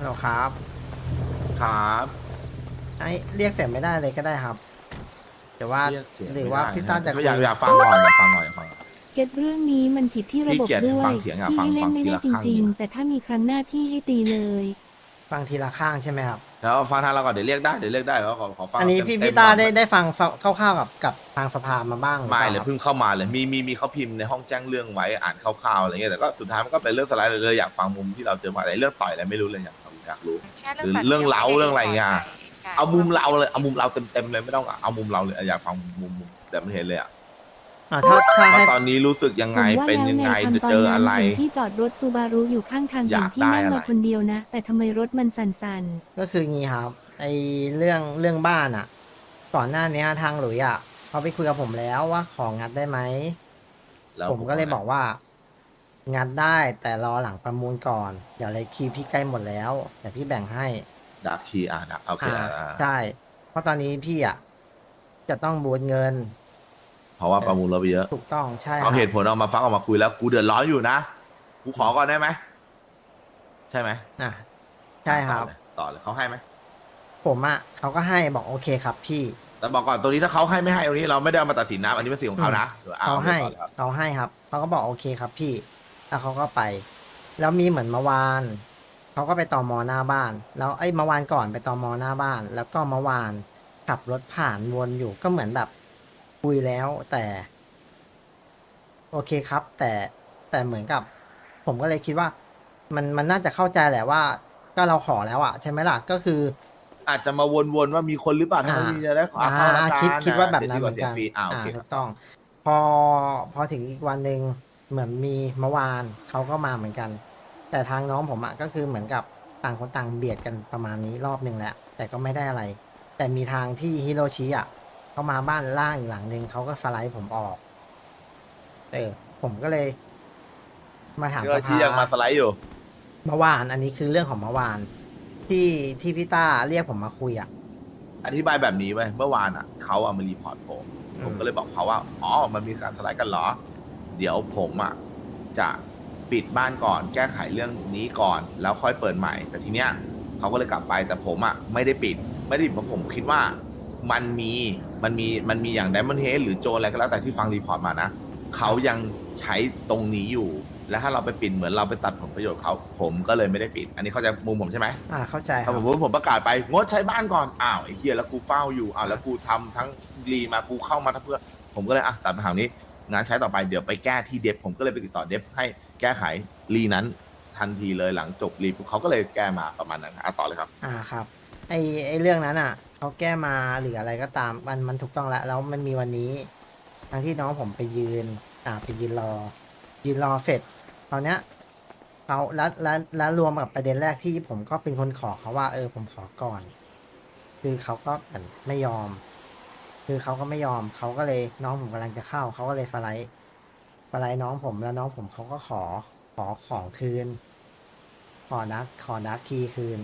ฮัลโหลครับครับไอเรียกเสียงไม่ได้เลยก็ได้ครับแต่ว่าเรียกเสียงหรือไม่ว่าได้นะพี่ต้าจะก็คุยอยากฟังก่อนอยากฟังก่อนอยากฟังก่อนเก็ตเรื่องนี้มันผิดที่ระพี่เกียรติบบด้วยฟังเถียงอ่ะพี่ฟังเล่นไม่ฟังทีได้จริงละข้างดีไหมๆแต่ถ้ามีครั้งหน้าพี่ให้ตีเลยฟังทีละข้างใช่ไหมครับแล้วฟังทางเราก่อนเดี๋ยวเรียกได้เดี๋ยวเรียกได้แล้วขอฟังอันนี้เต็พี่มๆก่อนต้าได้ฟังคร่าวๆกับทางสภามาบ้างหรือเปไม่ล่าครับเลยเพิ่งเข้ามาเลยมีเขาพิมพ์ในห้องแจ้งเรื่องไว้อ่านคร่าวๆอะไรเงี้ยแต่ก็สุดท้ายมันก็เป็นเรื่องสไลด์เลยอยากฟังมุมที่เราเจอมาแต่เรื่องต่อยอะไรไม่รู้เลยอยากรู้แค่หรือเรื่องเรื่องเล้าเรื่องอะไรเงี้ยเอามุมเราเลยเอามุมเราเต็มเลยไม่ต้องเอามุมเราเลยอยากฟังมุมแต่ไม่เห็นเลยอ่ะถ้าว่าให้ตอนนี้รู้สึกยังผไงมว่าเป็นแล้วยังแนไงวจะทำตอเจนอนั้อะนไรเห็นที่จอดรถซูบารุอยู่ข้างทางอเห็ยาน กพี่ได้นั่งอะไรมาคนเดียวนะ แต่ทำไมรถมันสั่นก็คืองี้ครับไอเรื่องบ้านอ่ะก่อนหน้านี้ทางหลุยอ่ะเขาไปคุยกับผมแล้วว่าของงัดได้ไหมแล้วผมก็เลยบอกว่างัดได้แต่รอหลังประมูลก่อนเดี๋ยวเลยคีย์พี่ใกล้หมดแล้วเดี๋ยวพี่แบ่งให้ดักคีดักโอเคใช่เพราะตอนนี้พี่อ่ะจะต้องบูทเงินเพราะว่าประมูลเราไปเยอะถูกต้องใช่คเอารับเหตุผลออกมาฟังออกมาคุยแล้วกูเดือดร้อนอยู่นะกูขอก่อนได้ไหมใช่ไหมอ่ะใช่ครับต่อเลยเขาให้ไหมผมอ่ะเขาก็ให้บอกโอเคครับพี่แต่บอกก่อนตรงนี้ถ้าเขาให้ไม่ให้ตรงนี้เราไม่ได้เอามาตัดสินนะอันนี้เป็นสิ่งของเขานะดี๋ยวเขาให้ต่อลยครับเขาให้ครับเขาก็บอกโอเคครับพี่แล้วเขาก็ไป แล้วมีเหมือนเมื่อวานเขาก็ไปตอมอหน้าบ้าน แล้วไอ้เมื่อวานก่อนไปตอมอหน้าบ้าน แล้วก็เมื่อวานขับรถผ่านวนอยู่ก็เหมือนแบบคุยแล้วแต่ โอเคครับ แต่เหมือนกับ ผมก็เลยคิดว่า มันน่าจะเข้าใจแหละว่า ก็เราขอแล้วอะใช่ไหมล่ะก็คืออาจจะมาวนๆว่ามีคนหรือเปล่าถ้าไม่มีจะได้ขอเข้าละกันคิดว่าแบบนั้นเหมือนเสียกันฟรีโอเคคถูรับกต้อง พอถึงอีกวันหนึ่งเหมือนมีเมื่อวานเขาก็มาเหมือนกัน แต่ทางน้องผมอะก็คือเหมือนกับต่างคนต่างเบียดกันประมาณนี้รอบหนึ่งแหละแต่ก็ไม่ได้อะไร แต่มีทางที่ฮิโรชิอะเขามาบ้านล่างอีกหลังหนึ่งเขาก็สไลด์ผมออกผมก็เลย มาถามก็ที่ยังมาสไลด์อยู่เมื่อวานอันนี้คือเรื่องของเมื่อวาน ที่พี่ต้าเรียกผมมาคุยอะอธิบายแบบนี้ไว้เมื่อวานอ่ะเขาเอามารีพอร์ตผมก็เลยบอกเขาว่าอ๋อมันมีการสไลด์กันเหรอเดี๋ยวผมอ่ะจะปิดบ้านก่อนแก้ไขเรื่องนี้ก่อนแล้วค่อยเปิดใหม่ แต่ทีเนี้ยเขาก็เลยกลับไปแต่ผมอ่ะไม่ได้ปิดเพราะผมคิดว่ามันมีอย่างไดมอนด์เฮดหรือโจรอะไรก็แล้วแต่ที่ฟังรีพอร์ตมานะเขายังใช้ตรงนี้อยู่ แล้วถ้าเราไปปิดเหมือนเราไปตัดผลประโยชน์เขาผมก็เลยไม่ได้ปิด อันนี้เข้าใจมุมผมใช่ไหมเข้าใจคถ้ารับผมประกาศไปงดใช้บ้านก่อนอ้าวไอ้เฮียแล้วกูเฝ้าอยู่อ้าวแล้วกูทำทั้งรีมากูเข้ามาทั้งเพื่อผมก็เลยตัดปัญหานี้งานใช้ต่อไปเดี๋ยวไปแก้ที่เดฟผมก็เลยไปติดต่อเดฟให้แก้ไขรีนั้นทันทีเลยหลังจบรีเขาก็เลยแก้มาประมาณนั้นต่อเลยครับครับไอเรื่องนั้นอ่ะเขาแก้มาหรืออะไรก็ตามมันถูกต้องแล้วมันมีวันนี้ทั้งที่น้องผมไปยืนไปยืนรอเสร็จตอนเนี้ยเขาแล้วรวมกับประเด็นแรกที่ผมก็เป็นคนขอเขาว่าผมขอก่อน คือเขาก็เหมือนไม่ยอม คือเขาก็ไม่ยอมเขาก็เลยน้องผมกำลังจะเข้าเขาก็เลยสไลด์น้องผมแล้วน้องผมเขาก็ขอของคืนขอดักคีย์คืน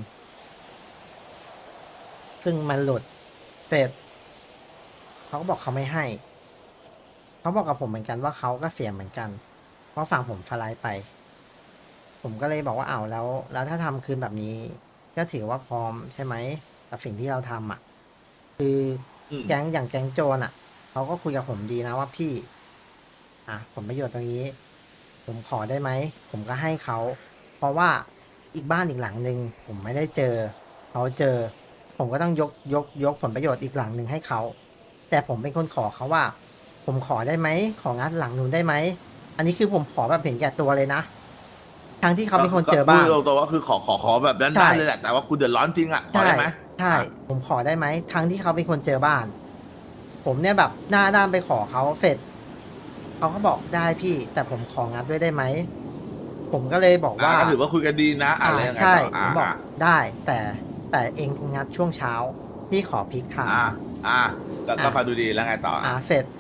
ซึ่งมันหลุดเสร็จเขาก็บอกเขาไม่ให้เขาบอกกับผมเหมือนกันว่าเขาก็เสียเหมือนกันเพราะฝั่งผมสไลด์ไป ผมก็เลยบอกว่าแล้วถ้าทำคืนแบบนี้ ก็ถือว่าพร้อมใช่ไหมกับสิ่งที่เราทำคือแก๊งอย่างแก๊งโจรเขาก็คุยกับผมดีนะว่าพี่ผลประโยชน์ตรงนี้ ผมขอได้ไหมผมก็ให้เขาเพราะว่าอีกบ้านอีกหลังหนึ่งผมไม่ได้เจอเขาเจอ ผมก็ต้องยกผลประโยชน์อีกหลังหนึ่งให้เขาแต่ผมเป็นคนขอเขาว่า ผมขอได้ไหมของัดหลังนู้นได้ไหมอันนี้คือผมขอแบบเห็นแก่ตัวเลยนะทั้งที่เขาเป็นคนเจอบ้านตัวว่าคือขอแบบนั้นได้เลยแหละแต่ว่ากูเดือดร้อนจริงอ่ะขอได้ไหมใช่ผมขอได้ไหมทั้งที่เขาเป็นคนเจอบ้าน ผมเนี่ยแบบหน้าด้านไปขอเขาเสร็จเขาก็บอกได้พี่ แต่ผมของัดด้วยได้ไหมผมก็เลยบอกว่าก็ถือว่าคุยกันดีนะอะไรยังไงใช่ต่อผมบอกได้แต่เองงัดช่วงเช้าพี่ขอพลิกไทม์ก็ฟังดูดีแล้วไงต่อเสร็จ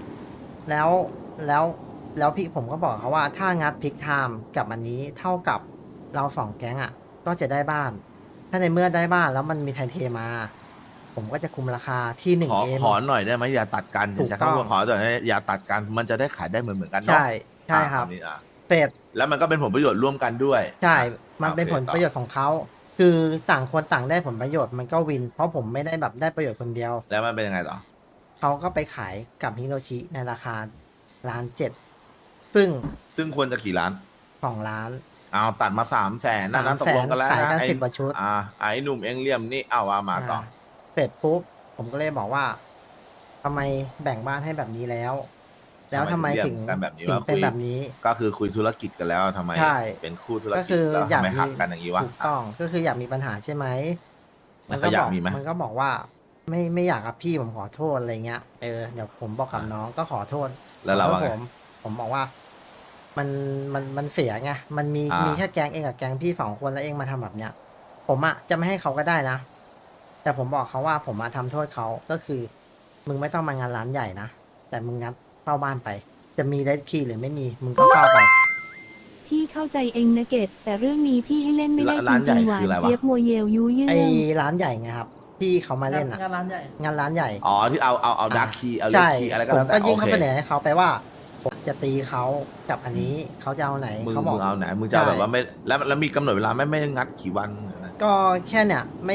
แล้วพี่ผมก็บอกเขาว่าถ้างัดพลิกไทม์กับอันนี้เท่ากับเราสองแก๊งก็จะได้บ้าน ถ้าในเมื่อได้บ้านแล้วมันมีไทยเทมา ผมก็จะคุมราคาที่หนึ่งเอ็มขอหน่อยได้ไหมอย่าตัดกันถูกจะต้องคำว่าขอหน่อยอย่าตัดกันมันจะได้ขายได้เหมือนกันเนาะใช่ครับนี่เป็ดแล้วมันก็เป็นผลประโยชน์ร่วมกันด้วยใช่มันเป็นโอเคผลประโยชน์ของเขาคือต่างคนต่างได้ผลประโยชน์มันก็วิน เพราะผมไม่ได้แบบได้ประโยชน์คนเดียวแล้วมันเป็นยังไงต่อเขาก็ไปขายกับฮิโรชิในราคา1.7 ล้านซึ่งซึ่งควรจะกี่ล้าน 2 ล้านเอาตัดมา300,000นั่นนะตกลงกันแล้วขายนะกันไอ้ 10 กว่าชุดไอ้หนุ่มเอ็งเลี่ยมนี่เอาว่ามาต่อเสร็จปุ๊บผมก็เลยบอกว่าทำไมแบ่งบ้านให้แบบนี้แล้ว แล้วทำไมถึงทำไมถึงเรียกกันแบบนี้ถึงว่าเป็นคุยแบบนี้ก็คือคุยธุรกิจกันแล้วทำไมใช่เป็นคู่ธุรก็กิคืจอแล้วอยากทำไมมีหักกันอย่างนี้วะถูกต้องก็คืออยากมีปัญหาใช่ไหมแล้วเขาอยากมีไหมมันก็บอกว่าไม่อยากกับพี่ผมขอโทษอะไรเงี้ยเดี๋ยวผมบอกกับน้องก็ขอโทษแล้วเราขอว่าโทไงษผมบอกว่ามันเสียไงมันมีอ่ามีแค่แกงเองกับแกงพี่2 คนแล้วเองมาทำแบบเนี้ย ผมอะจะไม่ให้เขาก็ได้นะ แต่ผมบอกเขาว่าผมมาทำโทษเขาก็คือ มึงไม่ต้องมางานร้านใหญ่นะแต่มึงงัดเฝ้าบ้านไป จะมีเลดคีย์หรือไม่มีมึงก็เฝ้าไปพี่เข้าใจเองนะเกตแต่เรื่องนี้พี่ให้เล่นไม่ได้จร้านใหญ่ริงๆหวานคืออะไรวะเจี๊ยบโมเยลยุยืไอ้งร้านใหญ่ไงครับที่เขามาเล่นอะงานร้านใหญ่งานร้านใหญ่อ๋อที่เอาดาร์คีเอาเลใช่คีอะไรก็ผแล้มวก็แต่ยื่โอนข้อเคเสนอให้เขาไปว่าผมจะตีเขากับอันนี้เขาจะเอาไหนมึงเขาบอกเอาไหนมึงจะเอาแบบว่าไม่แล้วมีกำหนดเวลาไม่งัดกี่วันก็แค่เนี่ยไม่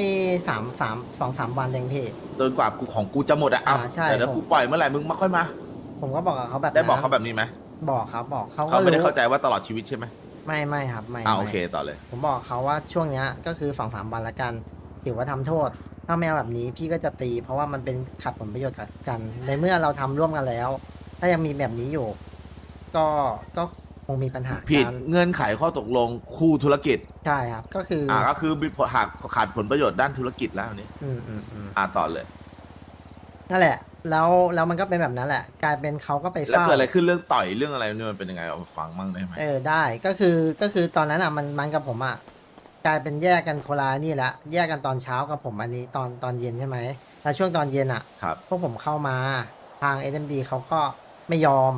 2-3 วันเองพี่จนกว่ากูของกูจะหมดอะเอาใช่แต่ถ้าผมกูปล่อยเมื่อไหร่มึงมาค่อยมาผมก็บอกกับเขาแบบนั้นได้บอกเขาแบบนี้ไหมบอกครับบอกเขาเขาก็ไม่ได้รู้เข้าใจว่าตลอดชีวิตใช่ไหมไม่ครับไม่โอไม่เคต่อเลยผมบอกเขาว่าช่วงเนี้ยก็คือ2-3 วันละกันถือว่าทำโทษ ถ้าไม่เอาแบบนี้พี่ก็จะตี เพราะว่ามันเป็นขัดผลประโยชน์กัน ในเมื่อเราทำร่วมกันแล้ว ถ้ายังมีแบบนี้อยู่ ก็คงมีปัญหาผิดกันเงื่อนไขข้อตกลงคู่ธุรกิจใช่ครับ ก็คือก็คือมีผลหักขาดผลประโยชน์ด้านธุรกิจแล้วนี่อืมต่อเลยนั่นแหละ แล้วมันก็เป็นแบบนั้นแหละ กลายเป็นเขาก็ไปแล้วเฝ้าเกิดอะไรขึ้นเรื่องต่อยเรื่องอะไรนี่มันเป็นยังไงเอามาฟังมั่งได้ไหมได้ก็คือตอนนั้นอ่ะมันกับผมอ่ะกลายเป็นแยกกันโคนละนี่ละแยกกันตอนเช้ากับผมอันนี้ตอนเย็นใช่ไหมแล้วช่วงตอนเย็นอ่ะครับพวกผมเข้ามาทาง SMD เขาก็ไม่ยอม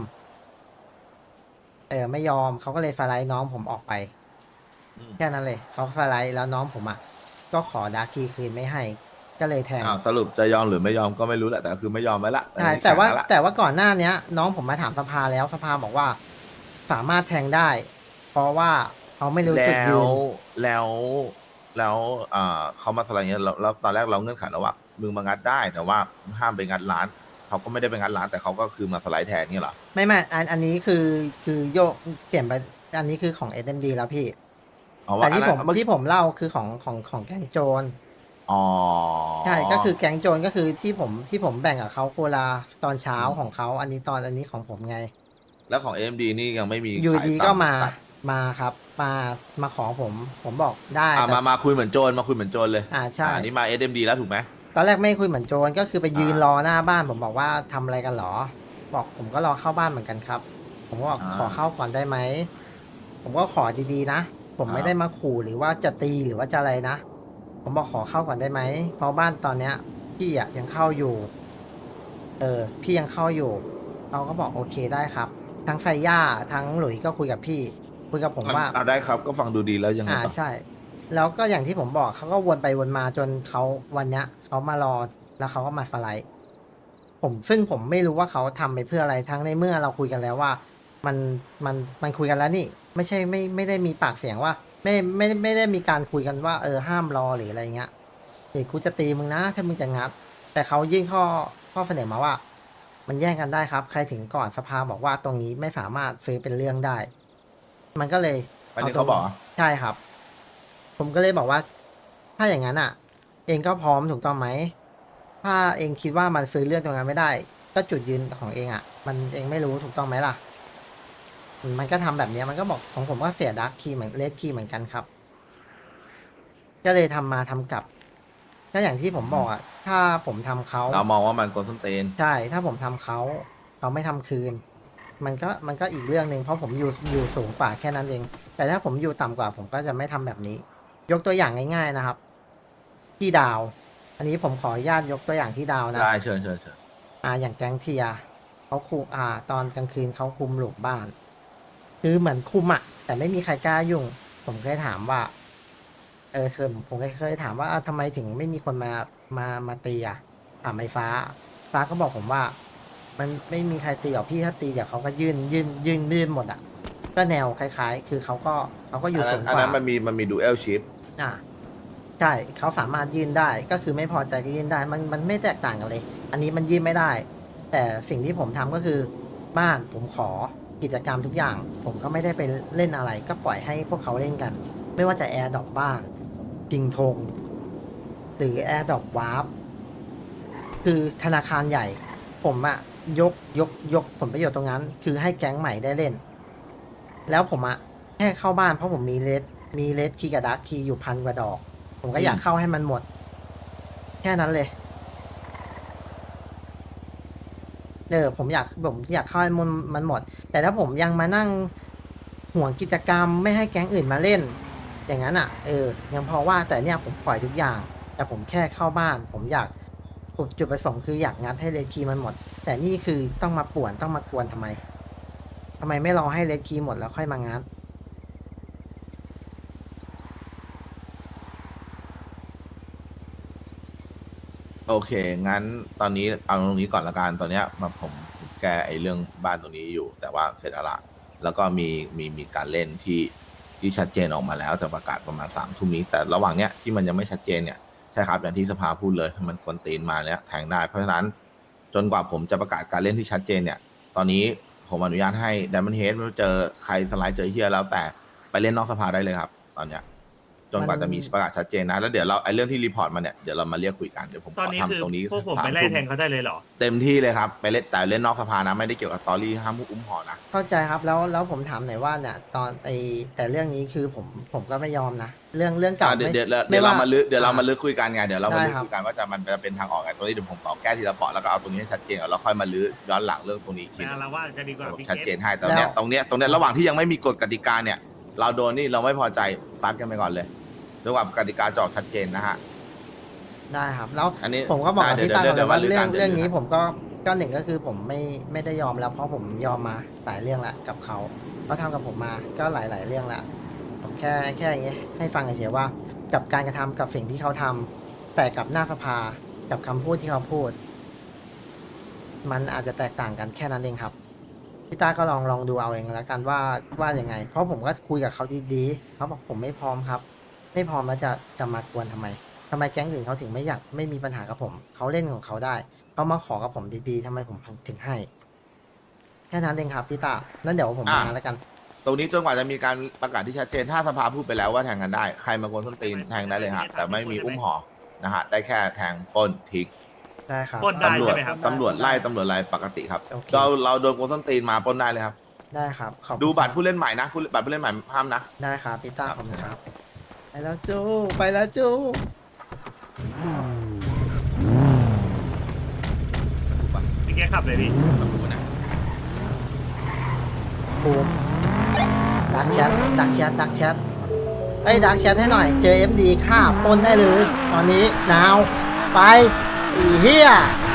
ไม่ยอมเขาก็เลยฟาไลท์น้องผมออกไปอืมแค่นั้นเลยเขาฟาไลท์แล้วน้องผมอ่ะก็ขอดาร์คีคืนไม่ให้ ก็เลยแทงสรุปจะยอมหรือไม่ยอมก็ไม่รู้แหละแต่คือไม่ยอมไว้ละใช่อันนี้แต่ว่าข็งละแต่ว่าก่อนหน้าเนี้ย น้องผมมาถามสภาแล้วสภาบอกว่าสามารถแทงได้ เพราะว่าเขาไม่รู้จุดแล้ยืวน แล้วเขามาสไลด์เงี้ยแล้วตอนแรกเราเงื่อนไขแล้วว่ามึงมางัดได้ แต่ว่าห้ามไปงัดร้านเขาก็ไม่ได้ไปงัดร้านแต่เขาก็คือมาสไลด์แทนนี่เหรอไม่อันนี้คือโยกเปลี่ยนไปอันนี้คือของ SMD แล้วพี่อ๋อแต่ว่าที่ผมอันนั้นที่ผมเล่าคือของแก๊งโจรอ๋อใช่ก็คือแก๊งโจรก็คือที่ผมแบ่งกับเขาโคลาตอนเช้าของเขาอันนี้ของผมไงแล้วของ AMD นี่ยังไม่มีอยู่ขายดีตก็ตัดมาครับมาขอผมบอกได้แต่มาคุยเหมือนโจรมาคุยเหมือนโจรเลยใช่อันนี้มา SMD แล้วถูกไหมตอนแรกไม่คุยเหมือนโจรก็คือไปยืนอ่ารอหน้าบ้านผมบอกว่าทำอะไรกันหรอ บอกผมก็รอเข้าบ้านเหมือนกันครับ ผมก็บอกขอเข้าก่อนได้ไหมผมก็ขอดีๆนะผมไม่ได้มาขู่หรือว่าจะตีหรือว่าจะอะไรนะผมบอกขอเข้าก่อนได้ไหมเพราะบ้านตอนเนี้ยพี่อะยังเข้าอยู่ พี่ยังเข้าอยู่เขาก็บอกโอเคได้ครับ ทั้งไฟย่าทั้งหลุยก็คุยกับพี่คุยกับผมว่าได้ครับก็ฟังดูดีแล้วยังไงต่อใช่ แล้วก็อย่างที่ผมบอกเขาก็วนไปวนมาจนเขาวันเนี้ยเขามารอแล้วเขาก็มาฟไลท์ซึ่งผมไม่รู้ว่าเขาทำไปเพื่ออะไรทั้งในเมื่อเราคุยกันแล้วว่า มันคุยกันแล้วนี่ ไม่ใช่ไม่ได้มีปากเสียงว่า ไม่ได้มีการคุยกันว่าห้ามรอหรืออะไรเงี้ยเดี๋ยวกูจะตีมึงนะถ้ามึงจะงัด แต่เขายื่นข้อเสนอมาว่า มันแย่งกันได้ครับ ใครถึงก่อนสภาบอกว่าตรงนี้ไม่สามารถซื้อเป็นเรื่องได้ มันก็เลยอันนี้เขาบอกเหรอใช่ครับ ผมก็เลยบอกว่า ถ้าอย่างนั้นอ่ะ เองก็พร้อมถูกต้องไหม ถ้าเองคิดว่ามันฟื้นเรื่องตรงนั้นไม่ได้ ก็จุดยืนของเองอ่ะ มันเองไม่รู้ถูกต้องไหมล่ะ มันก็ทำแบบเนี้ยมันก็บอกของผมก็เสียดักคีเหมือนเลดคีเหมือนกันครับ ก็เลยทำกลับ ก็อย่างที่ผมบอกอ่ะ ถ้าผมทำเขาเรามองว่ามันโกลสนเตนใช่ ถ้าผมทำเขาไม่ทำคืน มันก็อีกเรื่องหนึ่งเพราะผมอยู่สูงกว่าแค่นั้นเอง แต่ถ้าผมอยู่ต่ำกว่า ผมก็จะไม่ทำแบบนี้ ยกตัวอย่างง่ายๆนะครับ ที่ดาว อันนี้ผมขออนุญาตยกตัวอย่างที่ดาวนะได้เชิญอย่างแก๊งเทียเขาคุมตอนกลางคืนเขาคุมหลูกบ้าน คือเหมือนคุมอ่ะ แต่ไม่มีใครกล้ายุ่ง ผมเคยถามว่า ผมเคยถามว่าทำไมถึงไม่มีคนมาตีอ่ะถามไอ้ฟ้าก็บอกผมว่า มันไม่มีใครตีหรอกพี่ถ้าตีเดี๋ยวเขาก็ยื่นหมดอ่ะ ก็แนวคล้ายๆ คือเขาก็อยู่สูงอันกว่านั้นมันมีดูเอลชิปอ่ะใช่เขาสามารถยื่นได้ก็คือไม่พอใจก็ยื่นได้มันไม่แตกต่างกันเลย อันนี้มันยื่นไม่ได้ แต่สิ่งที่ผมทำก็คือบ้านผมขอกิจกรรมทุกอย่าง ผมก็ไม่ได้ไปเล่นอะไร ก็ปล่อยให้พวกเขาเล่นกัน ไม่ว่าจะแอร์ดรอปบ้านจริงธงหรือแอร์ดรอปวาร์ปคือธนาคารใหญ่ ผมอะยกผลประโยชน์ตรงนั้น คือให้แก๊งใหม่ได้เล่น แล้วผมอะแค่เข้าบ้านเพราะผมมีเลสคีย์กับดาร์คคีย์อยู่1,000 กว่าดอก ผมก็อยากเข้าให้มันหมด แค่นั้นเลยผมอยากเข้าให้มันหมด แต่ถ้าผมยังมานั่งห่วงกิจกรรมไม่ให้แก๊งอื่นมาเล่น อย่างนั้นอ่ะยังพอว่าแต่เนี่ยผมปล่อยทุกอย่าง แต่ผมแค่เข้าบ้าน ผมอยากจุดประสงค์คืออยากงัดให้เลดคีย์มันหมด แต่นี่คือต้องมาป่วนต้องมากวนทำไมไม่รอให้เลดคีย์หมดแล้วค่อยมางัดโอเค งั้นตอนนี้เอาตรงนี้ก่อนละกันตอนเนี้ยผมแก้ไอ้เรื่องบ้านตรงนี้อยู่ แต่ว่าเสร็จแล้วละแล้วก็มีการเล่นที่ชัดเจนออกมาแล้วจะประกาศประมาณ3 ทุ่มนี้ แต่ระหว่างเนี้ยที่มันยังไม่ชัดเจนเนี่ยใช่ครับอย่างที่สภาพูดเลยถ้ามันกวนตีนมาเนี้ยแทงได้เพราะฉะนั้นจนกว่าผมจะประกาศการเล่นที่ชัดเจนเนี่ย ตอนนี้ผมอนุญาตให้ Diamond Head ไม่ว่าเจอใครสไลด์เจอเฮียแล้วแต่ไปเล่นนอกสภาได้เลยครับ ตอนเนี้ยจนกว่าจะมีประกาศชัดเจนนะแล้วเดี๋ยวเราไอ้เรื่องที่รีพอร์ตมาเนี่ยเดี๋ยวเรามาเรียกคุยกันเดี๋ยวผมตอนขอนี้คือทำตรงนี้พวกผมไปไล่แทงเขาได้เลยเหรอเต็มที่เลยครับไปเล่นแต่เล่นนอกสภานะไม่ได้เกี่ยวกับตอรี่ห้ามอุ้มห่อนะเข้าใจครับแล้วผมถามหน่อยว่าเนี่ยตอนแต่เรื่องนี้คือผมก็ไม่ยอมนะเรื่องเก่าเดี๋ยวไม่เดี๋ยวไม่เดี๋ยวเราว่ามาลึกเดี๋ยวเรามาลึกคุยกันไงเดี๋ยวเรามาลึกได้ครับคุยกันว่าจะเป็นทางออกไงตรงนี้เดี๋ยวผมขอแก้ทีละเปาะแล้วก็เอาตรงนี้ให้ชัดเจนก่อนแล้วค่อยมาลึกย้อนหลังเรื่องตรงนี้อีกทีไม่หนึ่งเอาละว่าจะดีกว่าพี่ชัดเกเจตนให้แต่เนี้ยตรงเนี้ยระหว่างที่ยังไม่มีกฎกติกาเนี่ย เราโดนนี่เราไม่พอใจซัดกันไปก่อนเลยจนกว่ากติกาจะออกชัดเจนนะฮะได้ครับแล้วอันนี้ผมก็บอกกับได้พี่ตาก่อนเดี๋เลย ยว ว่าเดี๋ยวเรื่องเดี๋ยวเรื่องนี้ผมก็หนึ่งก็คือผมไม่ได้ยอมแล้วเพราะผมยอมมาหลายเรื่องละกับเขาทำกับผมมาก็หลายเรื่องละผมแค่อย่างเงี้ยให้ฟังเฉยๆว่ากับการกระทำกับสิ่งที่เขาทำแต่กับหน้าสภากับคำพูดที่เขาพูด มันอาจจะแตกต่างกันแค่นั้นเองครับพี่ตาก็ลองดูเอาเองแล้วกันว่ายังไง เพราะผมก็คุยกับเขาดีๆเขาบอกผมไม่พร้อมครับ ไม่พร้อมแล้วจะมากวนทำไมแก๊งอื่นเขาถึงไม่อยากไม่มีปัญหากับผมเขาเล่นของเขาได้เขามาขอกับผมดีๆทำไมผมถึงให้แค่นั้นเองครับพี่ตานั่นเดี๋ยวผมมาแล้วกันตรงนี้จนกว่าจะมีการประกาศที่ชัดเจนถ้าสภาพูดไปแล้วว่าแทงกันได้ใครมากวนส้นตีนแทงได้เลยฮะแต่ไม่มีอุ้มห่อนะฮะได้แค่แทงปล้นทิ้งได้ครับปล้นได้ตำรวจใช่ไหมครับตำรวจไล่ตำรวจอะไรปกติครับโอเคเราโดนกวนส้นตีนมาปล้นได้เลยครับได้ครับขอบคุณดูบัตรผู้เล่นใหม่นะบัตรผู้เล่นใหม่ห้ามนะได้ครับพี่ตาขอบคุณครับไปแล้วจูไปแล้วจูพี่เกตขับเลยพี่ต้องดูนะบูมดักแชทเฮ้ยดักแชทให้หน่อยเจอ FD ฆ่าปล้นได้เลยตอนนี้นาวไปอีเฮีย